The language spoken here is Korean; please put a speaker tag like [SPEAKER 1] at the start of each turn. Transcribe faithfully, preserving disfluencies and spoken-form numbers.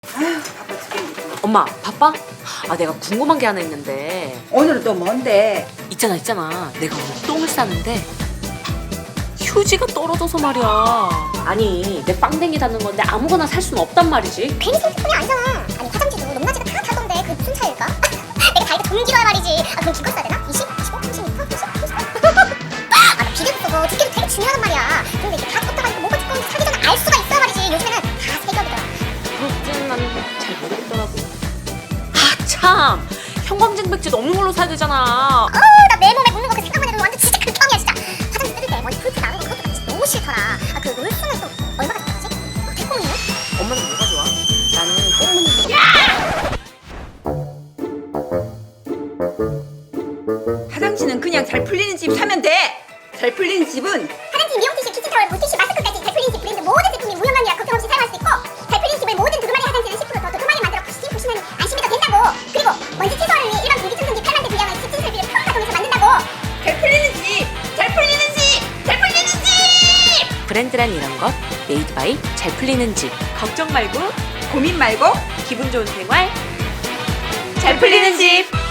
[SPEAKER 1] 아휴, 바빠 죽겠네.
[SPEAKER 2] 엄마 바빠? 아 내가 궁금한 게 하나 있는데.
[SPEAKER 1] 오늘은 또 뭔데?
[SPEAKER 2] 있잖아 있잖아 내가 오늘 똥을 싸는데 휴지가 떨어져서 말이야. 아니 내 빵댕이 닿는 건데 아무거나 살 수는 없단 말이지.
[SPEAKER 3] 괜히 생각뿐이 아니잖아. 아니 화장지도 높낮이가 다 다던데 그게 무슨 차이일까? 내가 다이가 좀 길어야 말이지. 아 그럼 기껏 써야 되나? 이십, 이십오, 삼십 미터? 삼십, 삼십? 아나 비계도 쓰고 두께도 되게 중요하단 말이야. 근데 이게 다 걷다가니까 뭐가 두꺼운지 사기 전에 알 수가 있어야 말이지. 요즘에는 다 세겹이더라.
[SPEAKER 2] 그렇진 난잘 모르겠더라고. 아 참 형광등 백지 없는 걸로 사야 되잖아.
[SPEAKER 3] 어우 나 내 몸에 묻는 거 그 생각만 해도 완전 진짜 극혐이야 진짜. 화장지 뜯을 때 머리 풀풀 나는 거 그것도 진짜 너무 싫더라. 아그 물수는 또 얼마가 들어가지? 어, 달콤이네?
[SPEAKER 2] 엄마는 뭐가 좋아? 나는 똥 묻는 거.
[SPEAKER 1] 화장실은 그냥 잘 풀리는 집 사면 돼. 잘 풀리는 집은
[SPEAKER 3] 화장지, 미용티슈, 키친타월, 물티슈, 마스크까지 잘 풀리는 집 브랜드 모든 제품이 무형관리라 걱정 없이 사용할 수 있고 잘 풀리는 집의 모든 두루마리 화장지는 십 퍼센트 더 두루마리 만들어 푸시팅 푸시면 안심이 더 된다고. 그리고 먼지 채소화를 위해 일반 공기청정기 팔만 대 분량의 집진 설비를 평가 통해서 만든다고.
[SPEAKER 1] 잘 풀리는 집, 잘 풀리는 집, 잘 풀리는 집.
[SPEAKER 2] 브랜드란 이런 것 메이드 바이 잘 풀리는 집. 걱정 말고
[SPEAKER 1] 고민 말고
[SPEAKER 2] 기분 좋은 생활 잘 풀리는 집.